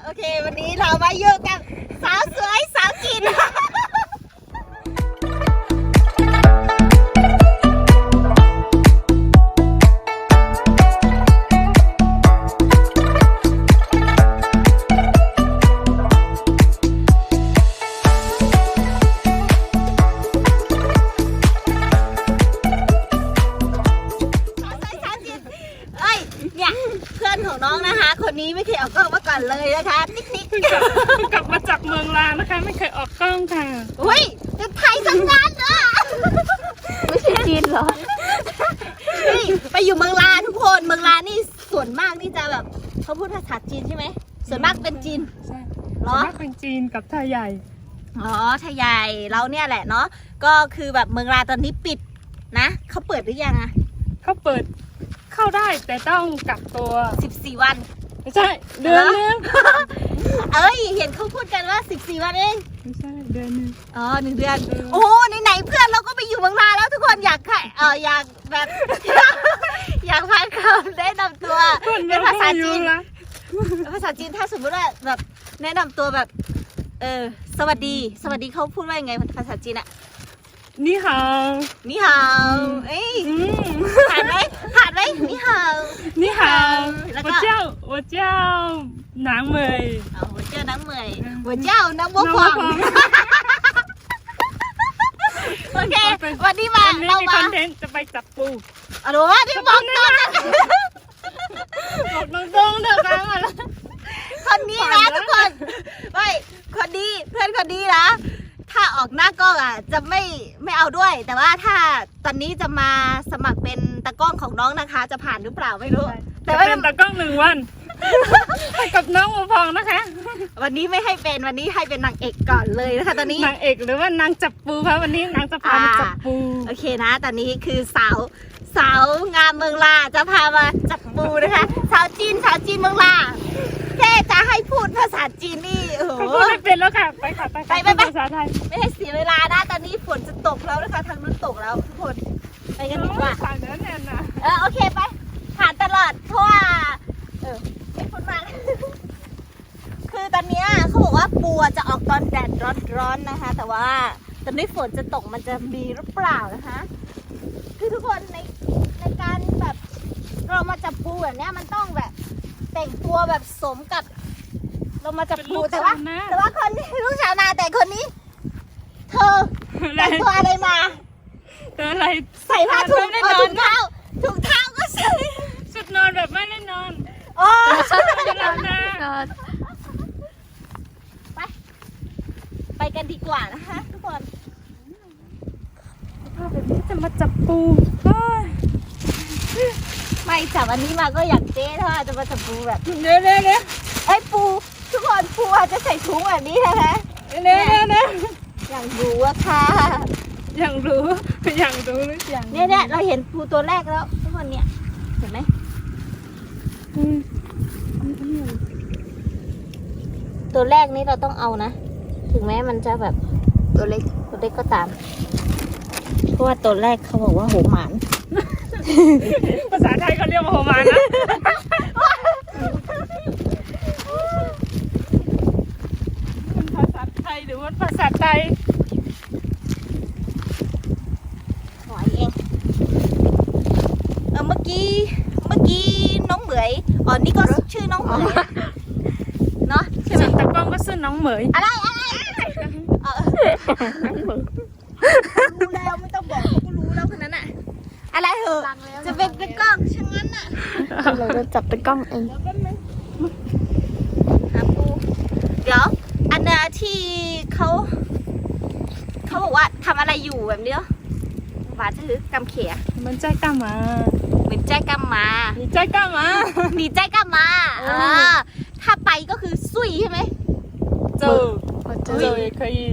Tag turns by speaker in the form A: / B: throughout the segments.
A: โอเควันนี้เรามาอยู่กับสาวสวยสาวจีนของน้องนะคะคนนี้ไม่เคยออกกล้องมาก่อนเลยนะคะนิก
B: กลับมาจากเมืองลาวนะคะไม่เคยออกกล้องค่ะ
A: อุ้ยจะไทยทั้งนั้นอ่ะไม่ใช่จีนเหรอนี่ไปอยู่เมืองลาวทุกคนเมืองลาวนี่ส่วนมากนี่จะแบบเขาพูดภาษาจีนใช่ไหมส่วนมากเป็นจีน
B: ใช่ส่วนมากเป็นจีนกับไทยใหญ่
A: อ๋อไทยใหญ่เราเนี่ยแหละเนาะก็คือแบบเมืองลาวตอนนี้ปิดนะเขาเปิดหรือยังอะ
B: เขาเปิดเข้าได้แต่ต้องกักตัว
A: 14 วัน
B: ไม่ใช่เดือนนึง
A: เอ้ยเห็นเขาพูดกันว่า14 วันเอง
B: ไม่ใช่เดือนนึง
A: อ๋อ1 เดือนโอ้ไหนเพื่อนเราก็ไปอยู่เมืองลาวแล้วทุกคนอยากอยากแบบอยากฟังคำแนะนำตัวเป็นภาษาจีนภาษาจีนถ้าสมมติว่าแบบแนะนำตัวแบบสวัสดีเขาพูดว่ายังไงภาษาจีนอะ
B: นี่ฮาว
A: นี่ฮาวเอ้ยผ่านไหมนี่ฮาว
B: นี่ฮาว我叫นางเหมย
A: 我叫นางเหมย我叫นางบัวขวางโอเควันนี้มาเรามา
B: คอนเทนต์จะไปจับปู
A: อ๋อที่บอกตรง
B: เดี๋ยวกันอะไร
A: คนนี้นะทุกคนไม่คนดีเพื่อนคนดีนะถ้าออกหน้ากล้องอ่ะจะไม่เอาด้วยแต่ว่าถ้าตอนนี้จะมาสมัครเป็นตากล้องของน้องนะคะจะผ่านหรือเปล่าไม่รู้
B: แต่ว่าเป็นตากล้อง1 วันให้กับน้องบัวพองนะคะ
A: วันนี้ไม่ให้เป็นวันนี้ให้เป็นนางเอกก่อนเลยนะคะตอนนี้
B: นางเอกหรือว่านางจับปูคะวันนี้นางจะพามาจับปู
A: โอเคนะตอนนี้คือสาวงามเมืองลาจะพามาจับปูนะคะสาวจีนเมืองลาแค่จะให้พูดภาษาจีนนี่โอ้โห
B: พูดไม่เป็นแล้วค่ะไปค่ะไปภาษาไทย
A: ไม่ให้เสียเวลานะตอนนี้ฝนจะตกแล้วนะคะทางนู้นตกแล้วทุกคนไปกันดีกว่า
B: ผ่านแล้วแน่นะ
A: โอเคไปผ่านตลอดเพราะว่าไม่พูดมากคือตอนนี้เขาบอกว่าปูจะออกตอนแดดร้อนนะคะแต่ว่าตอนนี้ฝนจะตกมันจะมีหรือเปล่านะคะคือทุกคนในการแบบเรามาจับปูแบบนี้มันต้องแบบแต่งตัวแบบสมกับเรามาจับปูแต่ว่าคนนี้ลูกชาวนาแต่คนนี้เธอแต่งตัวอะไรมา
B: อะไร
A: ใส่ผ้าถุงเท้าก็ใส่
B: ชุดนอนแบบไม่ได้นอน
A: โอ้
B: ชุดนอนนะ
A: ไปกันดีกว่านะคะทุกคน
B: แบบนี้จะมาจับปู
A: ไม่จับอันนี้มาก็อยากเจ๊ถ้าจะมาจับปูแบบ
B: เนื้อ
A: ไอ้ปูทุกคนปูอาจจะใส่ถุงแบบนี้นะคะ
B: เนื้อ
A: อย่างรู้อะค่ะ
B: อย่างรู้หรืออย่าง
A: เนี่ยเราเห็นปูตัวแรกแล้วทุกคนเนี่ยเห็นไหมตัวแรกนี้เราต้องเอานะถึงแม้มันจะแบบตัวเล็กก็ตามเพราะว่าตัวแรกเขาบอกว่าโหหมาน
B: ภาษาไทยเขาเรียกว่าโหหมานนะภาษาไทยหรือว่าภาษาไทย
A: หอยเองเมื่อกี้น้องเหมยนี่ก็ชื่อน้องเหมยเนาะใช่ไหม
B: ตากล้องก็ชื่อน้องเหมย
A: อะไรรู้แล้วไม่ต้องบอกเขาก็รู้แล้วคนนั้นอะอะไรเหอะจะเป็นตากล้องช่างนั้นอะ
B: เราจะจับตากล้องเอง
A: หาปูเดี๋ยวอันน่ะที่เขาบอกว่าทำอะไรอยู่แบบนี้หวานถือกำเขีย
B: มันใจกำมา
A: เหมือนใจกำมา
B: หนีใจกำมา
A: ถ้าไปก็คือซุยใช่ไหม
B: เจอ也可以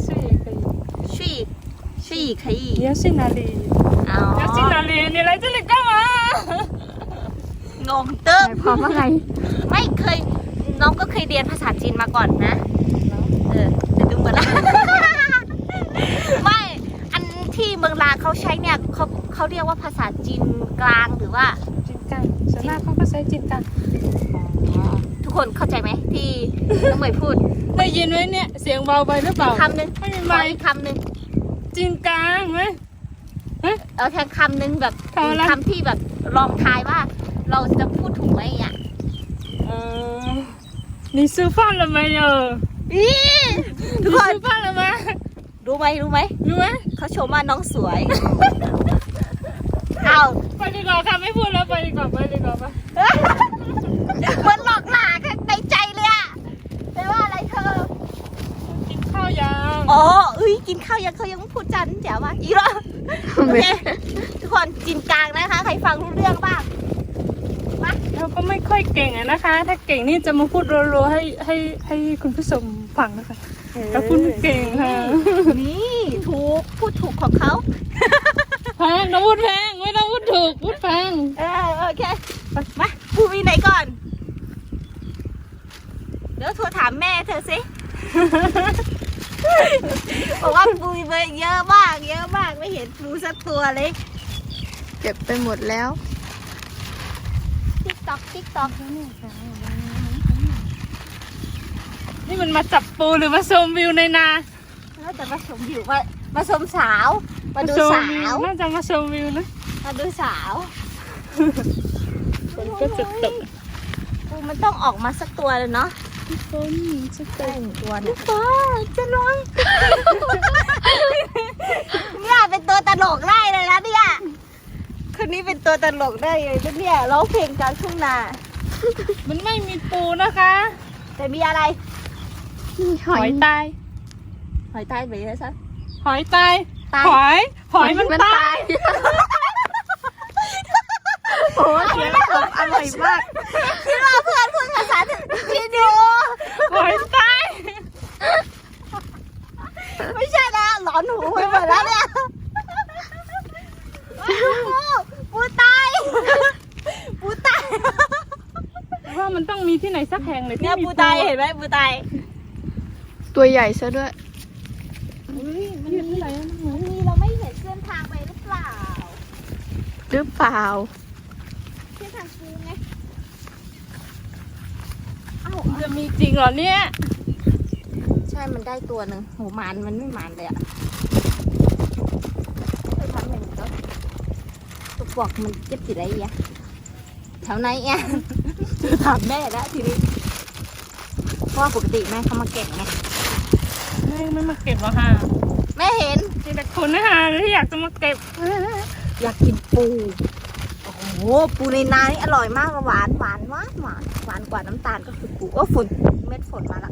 A: 睡也可以
B: 你要去哪里要去哪里你来这里干嘛
A: งงเติ้ง
B: พร้อมว่าไง
A: ไม่เคยน้องก็เคยเรียนภาษาจีนมาก่อนนะแต่ดูเหมือนละไม่อันที่เมืองลาวเขาใช้เนี่ยเขาเรียกว่าภาษาจีนกลางหรือว่า
B: จีนกลางส่วนมากเขาก็ใช้จีนกลาง
A: ทุกคคนเข้าใจไหมที่น้องเหมยพูด
B: ได้ยินไหมเนี่ย เสียงเบาไปหรือเปล่า
A: คำหนึ่ง
B: ไม่มี
A: ข
B: ไม
A: อ
B: ค์
A: อีกคำหนึ่ง
B: จริงกลางไหม
A: เอาแค่คำหนึ่งแบบ
B: คำอะไร
A: คำที่แบบลองทายว่า เราจะพูดถูกไหมอ่ะ
B: 你吃饭了没有
A: อีทุกคน
B: 你吃饭了吗
A: รู้ไหมรู้ไหม
B: รู้ไหม
A: เขาชมว่าน้องสวย เอา
B: ไปดีกว่าค่ะไม่พูดแล้วไปดีกว่าไปดีกว่าไป
A: มันหลอกหลาข้างในใจเลยอะแปลว่าอะไรเธอ
B: กินข้าวยัง
A: อ๋อกินข้าวยังเขายังพูดจันแจ๋วว่ะอีกแล้วโอเคทุกคนจินกลางนะคะ ใครฟังรู้เรื่องบ้าง
B: เราก็ไม่ค่อยเก่งอะนะคะ ถ้าเก่งนี่จะมาพูดรัวๆให้คุณผู้ชมฟังนะคะเราพูดไม่เก่งค่ะ
A: นี่ถูกพูดถูกของเขา
B: แพงต้องพูดแพงไม่ต้องพูดถูกพูดแพง
A: โอเคมาปูมีไหนก่อน เดี๋ยวโทรถามแม่เธอสิ บอกว่าปูมีเยอะมากเยอะมากไม่เห็นปูสักตัวเลย
C: เก็บไปหมดแล้ว
A: ติ๊กต๊อกติ๊กต๊อก
B: นี่มันมาจับปูหรือมาชมวิวในนา
A: แล้วแต่มาชมอยู่มาชมสาว มาดู
B: ชม
A: สา
B: วิ
A: ว
B: น่าจะมาชมวิวนะ
A: มาดูสาว
B: ฝนก็จะตก
A: ปูมันต้องออกมาสักตัวเลยเนาะ
B: ฝนจะต
A: ได้
B: ก
A: หนึ่งตัวเนี่ยฟ้าจะร้องเนี่ยเป็นตัวตลกได้เลยนะเนี่ยคนนี้เป็นตัวตลกได้เลยนะเนี่ยร้องเพลงกลางทุ่งนา
B: มันไม่มีปูนะคะ
A: แต่มีอะไร
C: นี่ห
B: ห
C: อ
B: อย ยตาย
A: หอยใต้ไปเลยซะ
B: หอยตาย
A: ตาย
B: หอยมันตาย
C: โอ้เสียงผมอร่อยมาก
A: คิดว่าเพื่อนพูดภาษาจีนอยู่
B: หอยตาย
A: ไม่ใช่นะหลอนหูไปหมดแล้วเนี่ยปูตายปูตาย
B: ว่ามันต้องมีที่ไหนสักแห่งเลยที่
A: เนี่ย
B: มี
A: ปูตายเห็นไหมปูตาย
C: ตัวใหญ่ซะด้วย
B: มันอยู่ที่ไหนอะ
A: มีเราไม่เห็นเส้นทางไปหรือเปล่า
C: หรือเปล่า
A: เส้นทางปูไง
B: จะมีจริงเหรอเนี่ย
A: ใช่มันได้ตัวหนึ่งโหมันไม่มันเลยอะไปทำหนึ่งก็ตัวปอกมันเจ็บสิไรอะแถวไหนอะจะถามแม่แล้วทีนี้เพราะว่าปกติแม่เขามาเก่งไง
B: ไม่มาเก็บหรอกค่ะ
A: แม่เห็น
B: มีแต่คนนะคะที่อยากจะมาเก็บ
A: อยากกินปู โอ้โห ปูในนานี่อร่อยมากหวานกว่าน้ำตาลก็คือปูฝนเม็ดฝนมาละ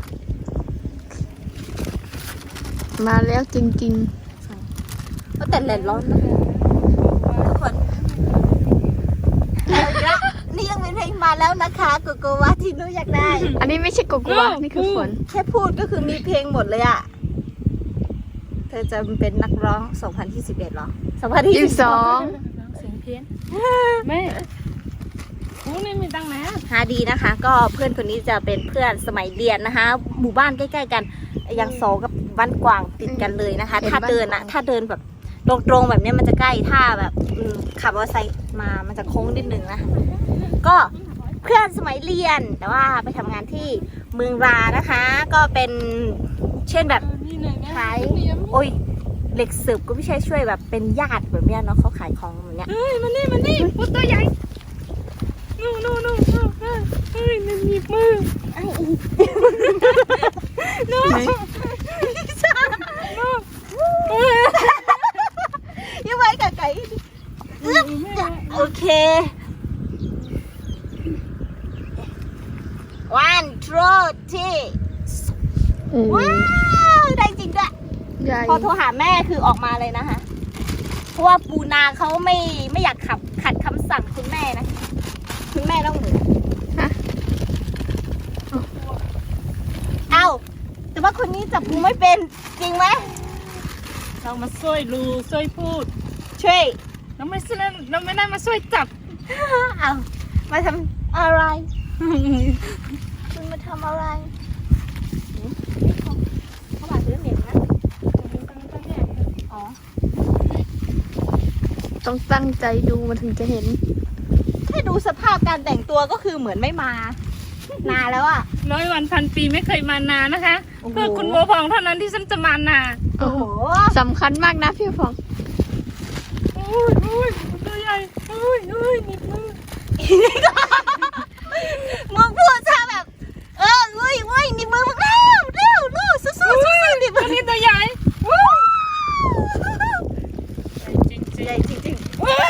C: มาแล้วจริง
A: ก็แต่แดดร้อนนะทุกคนเอาอีกละนี่ยังเป็นเพลงมาแล้วนะคะโกโกวาที่หนูอยากได้
C: ๆ อันนี้ไม่ใช่โกโกวานี่คือฝน
A: แค่พูดก็คือมีเพลงหมดเลยอะเธอจะเป็นนักร้อง 2021หรอ 2022
C: 22
B: เสียงเพี้ยนแม่ปูนี่มีตังค์นะ
A: หาดีนะคะ ก็เพื่อนคนนี้จะเป็นเพื่อนสมัยเรียนนะคะ หมู่บ้านใกล้ๆกันยังโซกับบ้านกวางติดกันเลยนะคะ
C: เห็น
A: ถ้าเดินอะ
C: บ้านกวาง
A: ถ้าเดินแบบตรงๆแบบเนี้ยมันจะใกล้ถ้าแบบขับมอเตอร์ไซค์มามันจะโค้งนิดนึงนะก็เพื่อนสมัยเรียนแต่ว่าไปทำงานที่เมืองรานะคะ ก็เป็นเช่นแบบ
B: นี่ไหนนะ
A: ขายโอ้ยเหล็กสืบก็ไม่ใช่ช่วยแบบเป็นญาติแบบเนี้ยเนาะเขาขายของแบบเนี้ย
B: เฮ้ยมันนี่ปูตัวใหญ่นู่นเฮ้ยมันหยิบมือ
C: ไหน
A: ยังไงกับไก่โอเค one two three
C: โอ้
A: ว้าวได้จริงด้วย
C: ใหญ่
A: พอโทรหาแม่คือออกมาเลยนะคะ เพราะว่าปูนาเขาไม่อยากขัดคำสั่งคุณแม่นะ คุณแม่ต้องเหมือน
C: ฮะ
A: เอ้าแต่ว่าคนนี้จับปูไม่เป็นจริงไหม
B: เรามาช่วยรูช่วยพูด
A: ช่วย
B: เราไม่ได้มาช่วยจับ
A: เอามาทำอะไร คุณมาทำอะไรเขามาซื้อเหม็นนะอ๋อ
C: ต้องตั้งใจดูมันถึงจะเห็น
A: แค่ดูสภาพการแต่งตัวก็คือเหมือนไม่มานานแล้วอ่ะ
B: 100 วันพันปีไม่เคยมานานะคะ
A: โอ้โห
B: เพื่อคุณบัวพองเท่านั้นที่ฉันจะมานา
A: โอ้โห
C: สำคัญมากนะพี่ฟอง
B: โอ้ยตัวใหญ่โอ้ยนิดมือ
A: มึงพูดซะแบบเว้ยนี่มือมึงเร็วลูกสู้ดิมึ
B: ตัว
A: ง
B: นี้ตัวใหญ่
A: ใหญ่จริง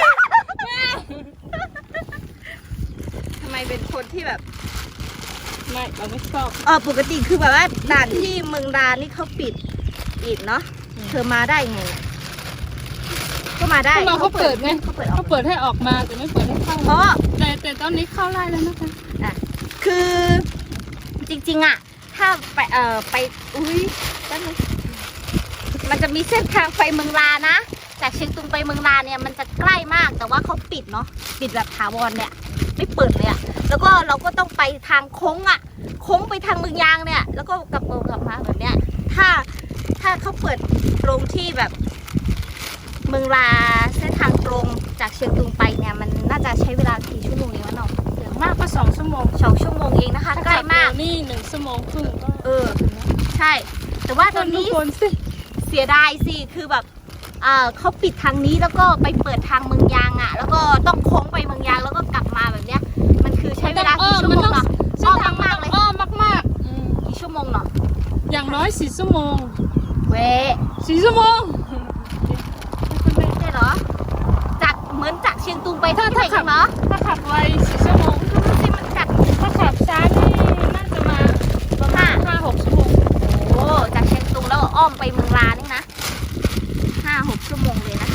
A: ทำไมเป็นคนที่แบบ
B: ไม่เราไม่ชอบ
A: ปกติคือแบบว่าด่านที่เมืองดานี่เขาปิดเนาะเธอมาได้ไงเนี่ยก็มาได้
B: เขาเปิดไง
A: เขาเปิดออ
B: เขา
A: ก
B: เปิดให้ออกมาแต่ไม่เปิดให้เข้า
A: เพราะ
B: แต่ตอนนี้เข้าไล่แล้วนะคะ
A: คือจริงๆอะถ้าไปอุ้ยแป๊บนึงมันจะมีเส้นทางไปเมืองลานะจากเชียงตุงไปเมืองลาเนี่ยมันจะใกล้มากแต่ว่าเขาปิดเนาะปิดแบบถาวรเนี่ยไม่เปิดเลยอะแล้วก็เราก็ต้องไปทางโค้งอะโค้งไปทางเมืองยางเนี่ยแล้วก็กลับมาแบบเนี้ยถ้าเขาเปิดตรงที่แบบเมืองลาเส้นทางตรงจากเชียงตุงไปเนี่ยมันน่าจะใช้เวลากี่ชั่วโมงเองวะน้อง
B: อย่างมากก็2 ชั่วโมง
A: 2 ชั่วโมงเองนะคะใกล้มาก
B: นี่1 ชั่วโมงครึ่งก็
A: ใช่ แต่ว่าตอนนี้
B: คนสิ
A: เสียดายสิคือแบบเขาปิดทางนี้แล้วก็ไปเปิดทางเมืองยางอ่ะแล้วก็ต้องโค้งไปเมืองยางแล้วก็กลับมาแบบเนี้ยมันคือใช้เวลากี่ชั่วโมงเนาะ
B: เส้นทาง
A: มากเลย
B: อ้อมมาก
A: กี่ชั่วโมงเนาะ
B: ๆอย่างน้อย4 ชั่วโมง
A: เว้ย
B: 4 ชั่วโมง
A: ใช่เหรอเหมือนจากเชียงตุงไปที่ไหนกันเนาะ
B: ถ้าขับไว4 ชั่วโมง
A: ดูสิมันจาก
B: ถ้าขับช้านี่น่าจะมาประมาณ5-6 ชั่วโมง
A: โอ้จากเชียงตุงแล้วอ้อมไปเมืองลานี่นะ5-6 ชั่วโมงเลยนะ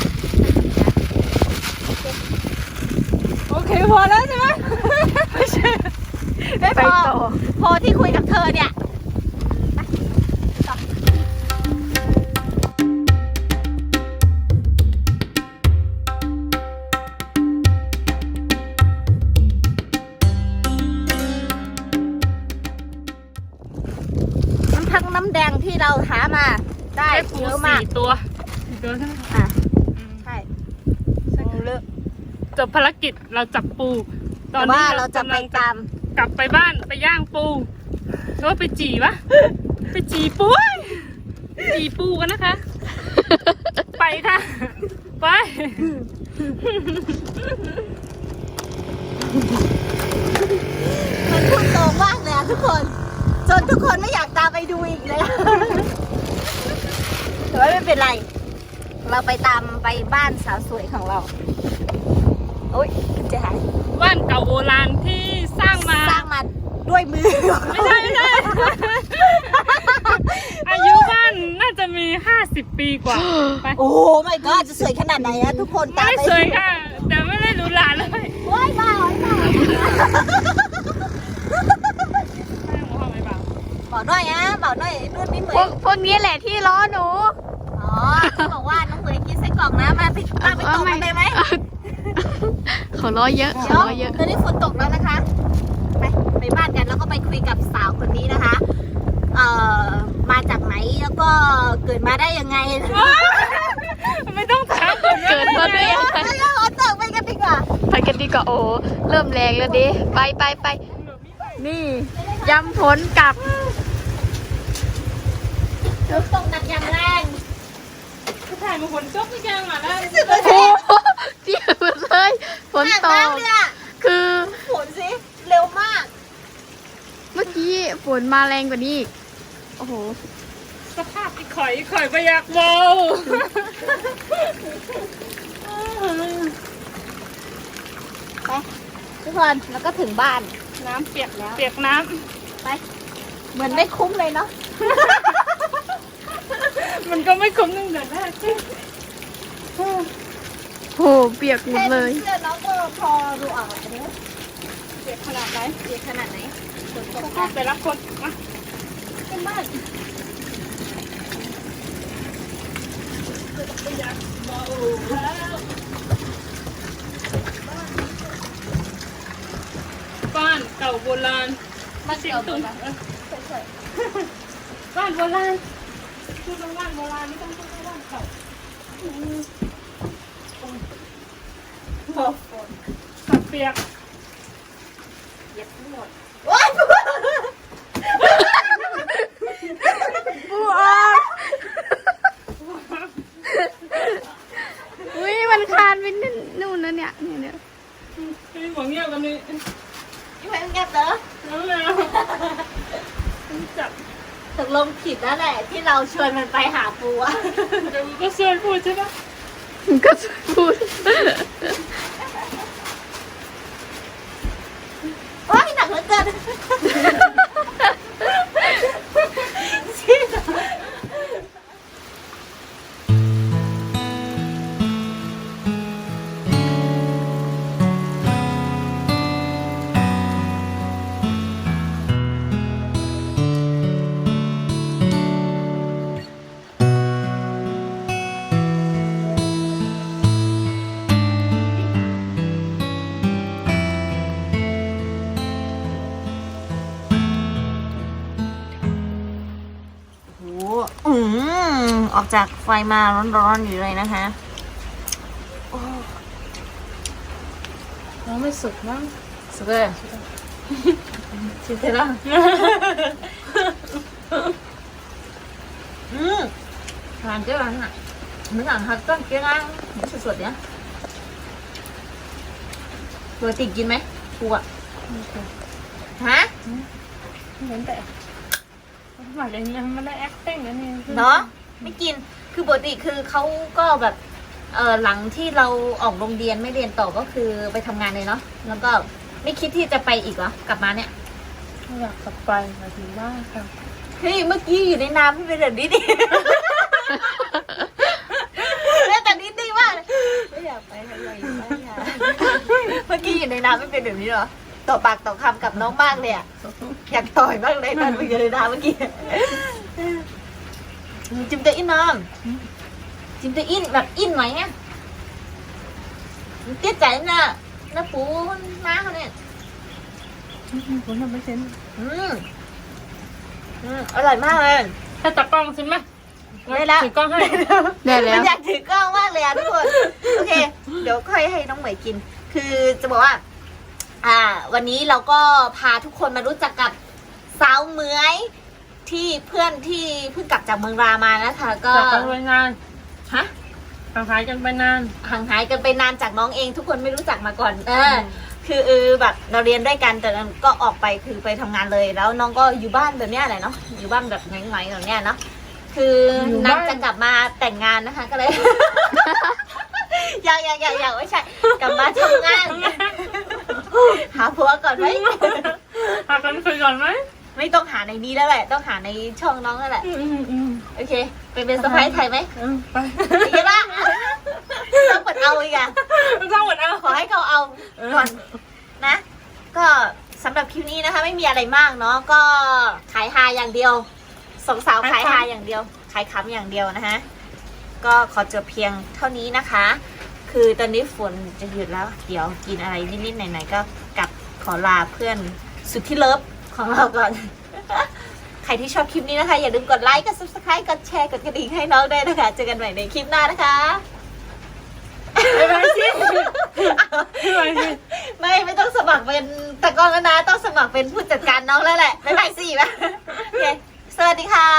B: โอเคพอแล้วใช่ไหมไม่ใช่
A: ไม่
C: ไป
A: พอ
C: ต่อ
A: พอที่คุยกับเธอเนี่ยน้ำแดงที่เราหามาได้
B: ได้ปู
A: เยอะมาก
B: 4 ตัวใช่ไหม
A: อ่ะใช่เลิก
B: จบภารกิจเราจับปู ตอ
A: แต่
B: นนี้
A: ว่าเราจะไปตาม
B: กลับไปบ้านไปย่างปูหรือว่าไปจีวะ ไปจีปูเว้ยจีปูกันนะคะ ไปค่ะ ไป
A: มันพูดตรงมากเลยอะทุกคนจนทุกคนไม่อยากตามไปดูอีกเลย แต่ว่าไม่เป็นไร เราไปตามไปบ้านสาวสวยของเรา โอ๊ยจะหาย
B: บ้านเก่าโบราณที่สร้างมา
A: สร้างมาด้วยมือ
B: ไม่ใช่ อายุบ้านน่าจะมี50 ปีกว่าไป
A: โอ้ไม่ก็จะสวยขนาดไหนนะทุกคนตาม
B: ไม่
A: ไป
B: สวยค่ะ แต่ไม่ได้หรูหราเลย
A: โอ้ยบ้าโอ้ยบ้าบอกหน่อยนะบอกหน่อยนู่นนี่เหม
C: พวย กพวกนี้แหละที่ล้อหนู
A: อ๋อเขาบอกว่าน้องเหมยกินไส้กรอกนะมาไปตกกันได้ไหม
C: เขาล้อเยอะ
A: เดี๋
C: เขา
A: ยว
C: ล้อเยอะ
A: ตอนนี้ฝนตกแล้วนะคะ ไปบ้านกันแล้วก็ไปคุยกับสาวคนนี้นะคะ มาจากไหนแล้วก็เกิดมาได้ยังไง
B: ไม่ต้องถาม
C: เกิดมาด้วยอะไร
A: เราตกไปกันดีกว่า
C: ไปกันดีกว่าโอ้เริ่มแรงแล้วดิไปนี่ยำผลกลับ
A: ตกหนักอย่างแรง
B: ผู้ถ่ายมาฝนตกที่แกงมาแล้ว
C: โอ้โหเปียกหมดเลยฝนตก
A: เนี่ย
C: คือ
A: ฝนสิเร็วมาก
C: เมื่อกี้ฝนมาแรงกว่านี้อีกโอ้โห
B: สภาพที่ข่อยไปอยากเมา
A: ไปทุกคนแล้วก็ถึงบ้าน
B: น้ำเปียกแล้ว เปียกน้
A: ไป เหมือนไม่คุ้มเลยเนาะ
B: ำมันก็ไม่คุ้มตั้งแต่แรก
C: โหเปียกหมดเลย
A: เสื้อน้องก็พอดูออกอันนี้
B: เปียกขนาดไหน
A: เปียกขนาดไหนฝนตก
B: ก็แต่ละคนมา
A: ขึ้นบ้าน
B: อยากเมาแล้วบ้านเก่าโบราณ
A: มาเกี่ยวตัวนะ
B: บ้านโบราณพูดว่าบ้านโบราณไม่ต้องพูดว่าบ้านเก่า
A: ฝน
B: ขับเปียก
A: เหยียบทั้งหมดโอ๊ยลงผิดแล้วแหละ ที่เราชวนมันไปหาปูอะ
B: เดี๋ยวก็ชวนพูดใช่ปะ
C: ก็พูด
A: ว้ายหนักเหลือเกิน โอ้โหออกจากไฟมาร้อนๆอยู่เลยนะคะ
B: น้องไม่สุกมั้ง
A: สุดเลยชิมเสร็จแล้วทานเจ้าอันน่ะmình ăn hạt con kia ăn sụt nhá rồi tỉnhกินไหมปูอ่ะฮะ
B: เหมือนแต่หมายถึงยังไม่ได้ acting อันนี้
A: เนาะไม่กินคือปกติคือเขาก็แบบหลังที่เราออกโรงเรียนไม่เรียนต่อก็คือไปทำงานเลยเนาะแล้วก็ไม่คิดที่จะไปอีกเหรอกลับมาเนี่ย
B: อยากกลับไปหมายถึงว่าค่ะ
A: เฮ้ยเมื่อกี้อยู่ในน้ำไม่เป็นแบบนี้ดิแต่นิดนึงว่าไม่อยากไปทำอะไรอยู่บ้านค่ะเมื่อกี้อยู่ในน้ำไม่เป็นแบบนี้หรอต่อปากต่อคำกับน้องมากเลยอ่ะอยากต่อยมากเลยตอนอยู่ในน้ำเมื่อกี้จิมเตอร์อินน้ำจิมเตอร์อินแบบอินไหมเนี่ยtiết chảy nó phủ máเขาเนี่ย
B: ผมทำไม่เซ็น
A: อร่อยมากเลย
B: ถ้าตากล้องใช่ไหม
A: ได้แล้ว
B: ถือกล้องให้
C: ได้แล้
A: มั
C: ว
A: นอยากถือกล้องมากเลยอ่ะทุกคน โอเค เดี๋ยวค่อยให้น้องเหมยกิน คือจะบอกว่า วันนี้เราก็พาทุกคนมารู้จักกับสาวเหมยที่เพื่อนที่เพิ่งกลับจากเมืองรามานะคะ ก็
B: จากไปนาน
A: ฮะ
B: ห่างหายกันไปนาน
A: ห่างหายกันไปนานจากน้องเองทุกคนไม่รู้จักมาก่อนคือแบบเราเรียนด้วยกันแต่ก็ออกไปคือไปทำงานเลยแล้วน้องก็อยู่บ้านแบบเนี้ยแหละเนาะอยู่บ้านแบบไงๆแบบเนี้ยเนาะคืออนางจะกลับมาแต่งงานนะคะก็เลย ยังไม่ใช่กลับมาทำงาน หาผัวก่อนไหม
B: หากันคุยก่อนไหม
A: ไม่ต้องหาในนี้แล้วแหละต้องหาในช่องน้องแล้วแหละโอเคเป็นสะพ้ายไทยไหม
B: ไป
A: อย่างนี้ละต้องเปิดเอาอีกอะ
B: ต้องหมดเอา
A: ขอให้เขาเอาก่อนนะ ก็สำหรับคลิปนี้นะคะ ไม่มีอะไรมากเนาะก็ขายฮาอย่างเดียวสองสาวขายฮาอย่างเดียวขายขำอย่างเดียวนะคะก็ขอจบเพียงเท่านี้นะคะ คือตอนนี้ฝนจะหยุดแล้ว เดี๋ยวกินอะไรนิดๆหน่อยๆก็กลับขอลาเพื่อนสุดที่เลิฟของเราก่อน ใครที่ชอบคลิปนี้นะคะอย่าลืมกดไลค์กด subscribe กดแชร์กดกระดิ่งให้น้องด้วยนะคะเจอกันใหม่ในคลิปหน้านะคะ
B: ไปไปสิไปสิ
A: ไม่ต้องสมัครเป็นตากล้องแล้วนะต้องสมัครเป็นผู้จัดการน้องแล้วแหละไม่ไปสิป่ะโอเคสวัสดีค่ะ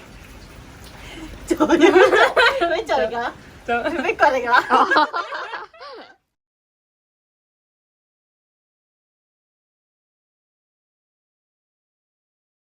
A: โจยไม่โจยเหรอ
B: เจอ
A: ไม่กดเลยเหรอ